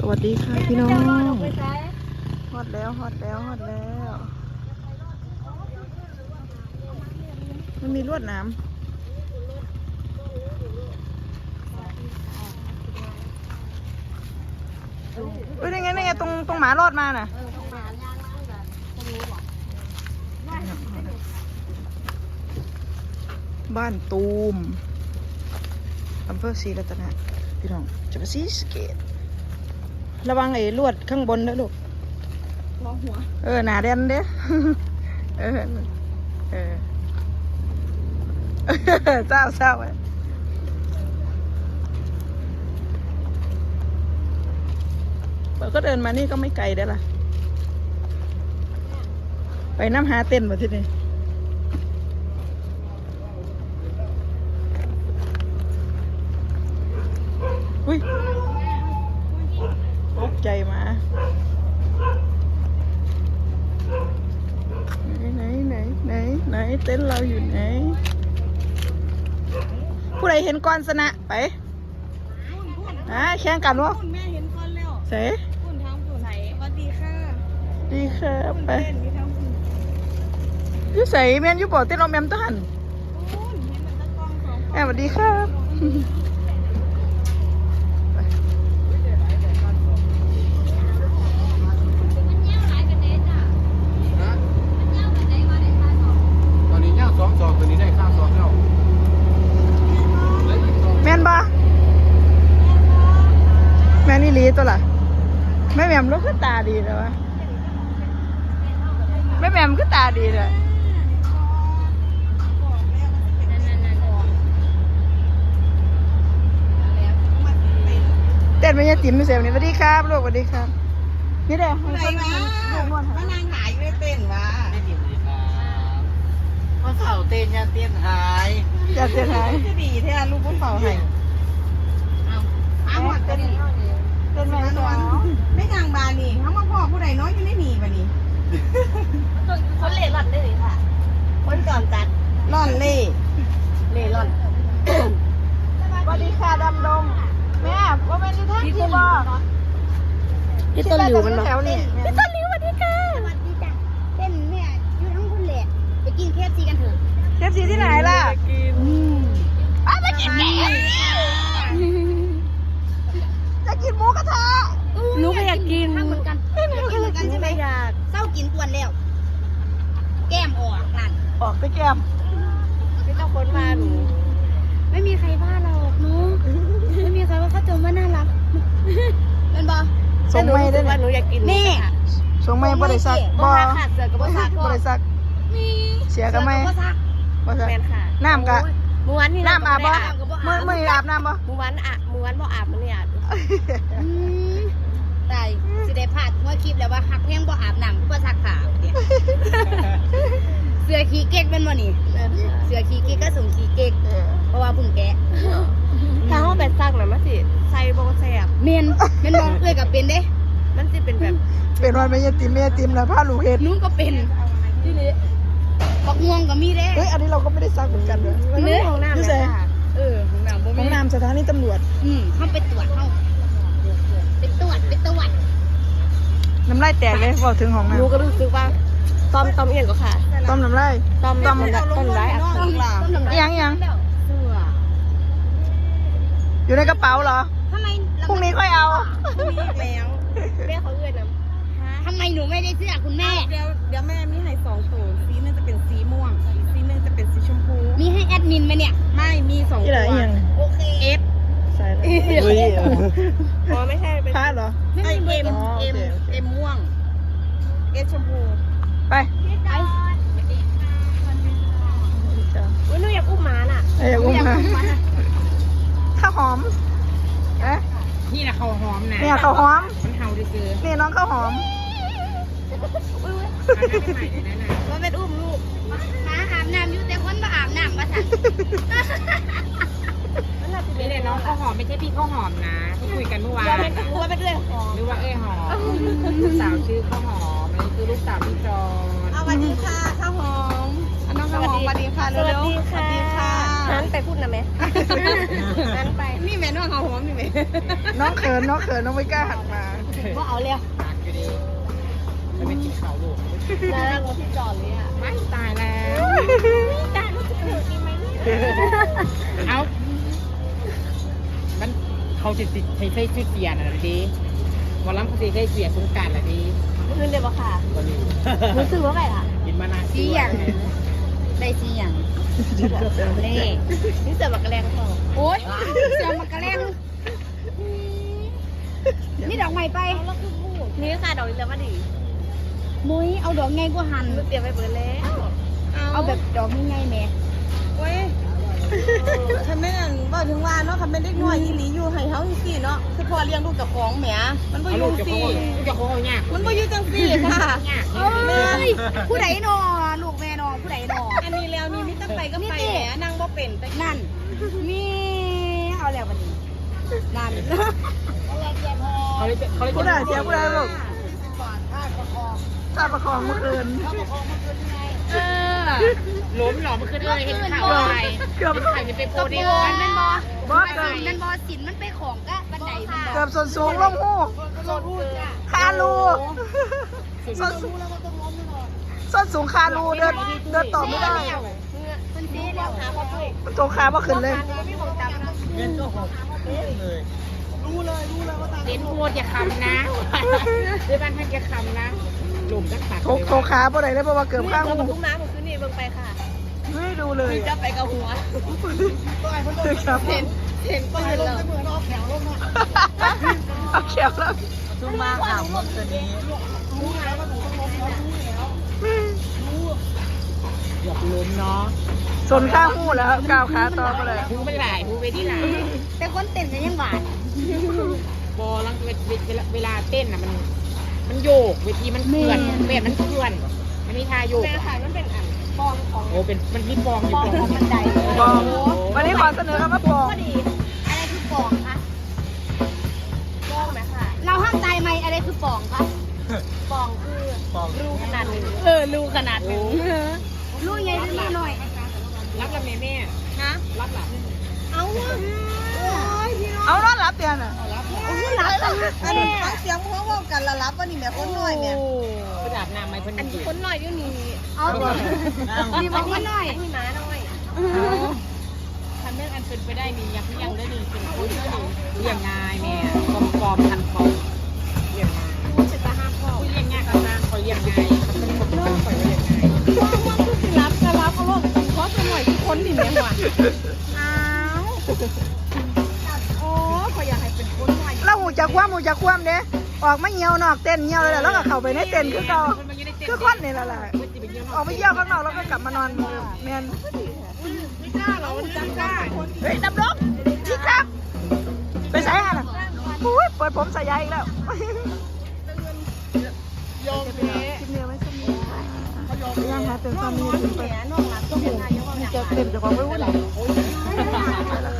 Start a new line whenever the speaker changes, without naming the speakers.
วัสดีค่ะพี่น้องฮอดแล้วมันมีลวดน้ำนี่ไงตรงหมารอดมาน่ะบ้านตูมอำเภอศรีรัตนะพี่น้องจะไปศรีสะเกษระวังไอ้ลวดข้างบนนะลูกมองหัวหนาแดนเด้เจ้าไว้ก็เดินมานี่ก็ไม่ไกลได้ล่ะไปน้ำหาเต้นมาที่นี่อุ้ยตกใจมาไหนเต้นเราอยู่ไหนผู้ใดเห็นก่อนชนะไปแข่งกันวะ
แม่เห็นก่อนแล้ว
เสร็จ
คุณทำคุณไหนสวัสดีค่ะ
ดีค่ะไปยูใส่แมนยูบอกเต้นเราแมมต้นสวัสดีครับ
ตัวนี้ได้ข้าวซองแล้ว
แม่นบ่แม่นี่ลีตัวล่ะแม่แหม่มลูกก็ตาดีเลยวะแม่แหม่มก็ตาดีเลยเต้นไม่ยาติ๋มไม่เสียวันนี้สวัสดีครับลูกสวัสดีครับนี่เด้อ
ไหนวะมานางหายไม่เต้นวะ
ไม่ติดเลยครับว่าเสาเต้นยันเต้นหาย
จะเต้นหาย
จะดีแท้ลูกผู้เฝ้าให้เอาหมดจะดี
เต้นไม่สอน
ไม่นางบานี่เขามาพ่อผู้ใดน้อยอยู่ในหนีบานี่
คนเล่ร่อนได้เลยค่ะคนก่อนจัด
ร่อนเล่
ร่อน
สวัสดีค่ะดำดงแม่ว่าเป็นที่ท่านที่บอก
พี่ต้นหลิวมันบอก
แถวนี้
พี่ต้นหลิวสวัสดีค่ะสวัสดีจ้ะเป็นเนี่ยอยู่ทั้งคนแหละไปกินเคฟซีกันเถอะ
เคฟซีที่ไหนล่ะ
มากินแก
จะกินหมูกระทะ
หนูก็อยากกินเหมือนกัน
ใช่ไหม
อยาก
เศร้ากินกวนแล้วแก้มออกนั่น
ออกไปแก้ม
ไม่ต้องคนมาหนูไม่มีใครว่าเราหนูไม่มีใครว่าเขาจมว่าน่ารัก
เป็นบอ
ส่งไม่ได้
ว่าหนูอยากกิน
นี่
ส่งไม่บริษัท
บ่ขาดเสือกับบริษัท
บริษัทเสียกันไหมบริษัทน้ำกะ
ม้วนนี่
น้ำอาบบ่เมื่ออาบน้ำบ่
ม้วนบ่อาบมันเนี่ย
ตายสิได้พลาดเมื่อคลิปแล้วว่าหักแห้งบ่อาบน้ำก็ซักขาเนี่ยเสือขี้เก๊กเป็นบ่นี่เสือขี้เก๊กก็ส่งขี้เก๊กเพราะว่าพึ่งแกะ
ถ้าห้องแบบซักน่ะมันสิใส่บ่แซ่บ
เมนบ่เอ้ยก็เป็นเด้
มันสิเป็นแบบ
เป็นวันไม่ยติมแล้วผ้าลูกเห็ด
นู้นก็เป็นที่นี่ปักม่วงก็มีเด้
เฮ้ยอันนี้เราก็ไม่ได้ซักเหมือนกันเลย
เนื้อของน้ำเลย
ของน้ำสถานีตำรวจ
เข้าไปตรวจเข้าไปตรวจ
น้ำลายแตกเลยบอกถึงของน้ำ
รู้ก็รู้สึกว่าต้มเอียงก็ค่ะ
ต้มน้ำลาย
ต้มร้ายอักเสบ
ยังอยู่ในกระเป๋าเหรอพรุ่งนี้ค่อยเอา
แล้ว
แม่เขาเอื้อนนะ
ทำไมหนูไม่ได้เสื้อคุณแม่
เดี๋ยวแม่มีให้2ตัวสีนึงจะเป็นสีม่วงสีนึงจะเป็นสีชมพู
มีให้แอดมินไหมเนี่ย
ไม่มี2ตัว
โอเค
เอฟ
ใช่เลย
อ๋อไม่ใช่เป็น
ผ้าเหรอ
ไม่เอ็มม่วง
เอฟชมพู
ไป
หนูอยากอุ้มหมาน่ะ
อยากอุ้มหมาข้าวหอม
นี่นะข้าวหอมนะ
เนี่ยข้าวหอม
มันเห่าดิซื้อ
นี่น้องข้าวหอม
ว่าเป็นอุ้มลูก
มาอาบน้ำอยู่แต่คนมาอาบน้ำมาสั่ง
นี่เลยน้องข้าวหอมไม่ใช่พี่ข้าวหอมนะที่คุยกันเมื่อวานว่าเป็นเอ้ยหอมหรือว่าเอ้ยหอมลูกสาวชื่อข้าวหอมอันนี้คือลูกสาวพี่จอน
สวัสดีค่ะข้าวหอมน้องข้าวหอมสวัสดีค่ะเร็วๆสวัสดีค่ะนั้นไปพูดนะแม่นั้นไปนี่แม่น้องเขาหอมนี่แม่
น้องเขินน้องไม่กล้าหันมา
ว่าเอาเลย
ปากอยู่ดีแล้วไม่กินข้าวลูก
แล้วรถที่จอดเลยอ่ะ
ไม่ตายแล้ว
ตาลูกจะเกิดจริงไหมเนี่ย
เอามันเขาจะติดใช้ชื่อเสียน่ะดีวันล้ำเขาจะใช้เสียสงการน่ะดี
คืนเดียวค่ะ
วันนี้
รู้สึกว่าไงล่ะ
กินมานาน
สีอย่างได้สีอย่างเล่นี่เสือบักกระแรงเขาโอ๊ยเสือบักกระแรงนี่ดอกใหม่ไปนี่ค่ะดอกนี้แล้วก็ดีมุ้ยเอาดอกไงกูหันเตรียมไปเบิดแล้วเอาแบบดอกง่ายๆแม่
โอ้ยคันแม่นบ่ถึงว่าเนาะคันแม่นเด็กน้อยอีหลีอยู่ให้เฮาจังซี่เนาะคือพอเลี้ยงลูกกับของแหมมันบ่
เอา
อ
ลู
ยู่
กจะ
ซี่
โค้งยาก
มันบ่อยู่จังซี่ค่ะ
ยาก
เอ้ยผู้ใดนอลูกแม่นอผู้ใดนอ
อันนี้แล้วนี่มีแต่ไปก็ไปแหมนั่งบ่เป็นแต่
นั่นมีเอาแล้ววันนี้นั่น
เขาเลยจะ
ผู้ใดเสียผู้ใดลูกข้าประคองเมื่อคืน
ล้มหรอมันขึ้นเลยเห็นข่าวอะไร
เกือบ
เป็นไข่จะไปโปรดี
มันเป็นบอบ
อสเกือบ
มันบอสินมันไปของก็บันไดมันบ
เกื
อ
อบส่วนสูงลงหูคารูส้นสูงคารูเดินต่อไม่ได้
มันซีแล้วหาพ่อปุ้ย
มันโจขาบ่ขึ้นเลย
ไม่บอกจำนะ
เงินก็หกเลย
เห็นพูดอย่าคำนะด้วยบ้านท่านอย่าคำนะหลุมก็ขาด
โจขาบ่ได้เลยเพราะว่าเกือบข้างหู
ทุ่งน้ำผมขึ้นนี่เบิ่งไปค่ะ
ไม่ดูเลย
จะไปกับหัว
ครับ
เห็นก็เห็นแล้ว
เอาเขียวแล้ว
ซุ่มมาข่าวเมื่อคืนนี้
หยอกล้มเนาะ
ส่วนข้างหูแล้วก้าวขาต่อไปเลย
หูเป็นไหลหูไปที่ไหน
แต่คนเต้นกันยังหวาน
บอลังเวลาเต้นอ่ะมันโยกเวทีมันเคลื่อนแบบมันเคลื่อนมันมีท่าโยก
แม่ค่ะมันเป็นอันฟองของ
โอ้เป็นมันมีฟองอยู่
ฟองของบันได
ปองวันนี้ขอเสนอคำว่าปอง
ก็ดีอะไรคือฟองคะฟองไหมค่ะเราห้ามตายไหมอะไรคือฟองคะฟองคือ
ปอง
รูขนาดหนึ่งรูขนาดหนึ่งรูใหญ่หรือรูน้อย
รับละแม่
ฮะ
รับละ
เอาวะโอ้ยพี่น้อง
เอานอนหลับเตียนอ่ะ
โอ้ยรับอันนี้ฟังเสียงเพราะว่ากันละรับว่านี่แม่คนน้อยเนี่ย
ไปอาบน้ำไหมเพิ่น
อันนี้คนน้อยอยู่นี่
เอาดีมันนี่น้อยนี่ม้าน้อย
ทำเรื่องอันเป็นไปได้นี่ยังได้ดีเป็นคนได้ดีเรียงง่ายแม่กอมทันคอเรียงง่าย
จะจะห้ามพ่อ
เรียงง่ายกับนางคอยเรียงง่ายเขาเป็นคนต้องคอยเรียงง่าย
รับก็รับเอาลูกขอสหน่อยทุกคนนี่แม่หวาน
อ้าว
โอ้ขอยอยากให้เป็นคนน้อย
เราหูจักความเด้ออกมาเหี่ยวนอกเต้นเหี่ยวเลยแล้วก็เข้าไปในเต้นคือเก่าคือคนนี่แหละออกไปเยี่ยวข้างนอกแล้วก็กลับมานอนแมน
ไม่กล้าหรอกจำกล้า
เฮ้ยดำดงชิครับ ไปใส่ฮะน่ะอุ้ยเปิดผมใส่ยายอีกแล้ว
ยอมแพ้
คลิปเดียวไว้สักนิดยังคะเต็ม
น้
ต
อ
อง น
น้
นี้
อย
ถึงไป
แหมน้องรักต้องเป็นนายก
จะเต็มจากความไม่วุ่นวาย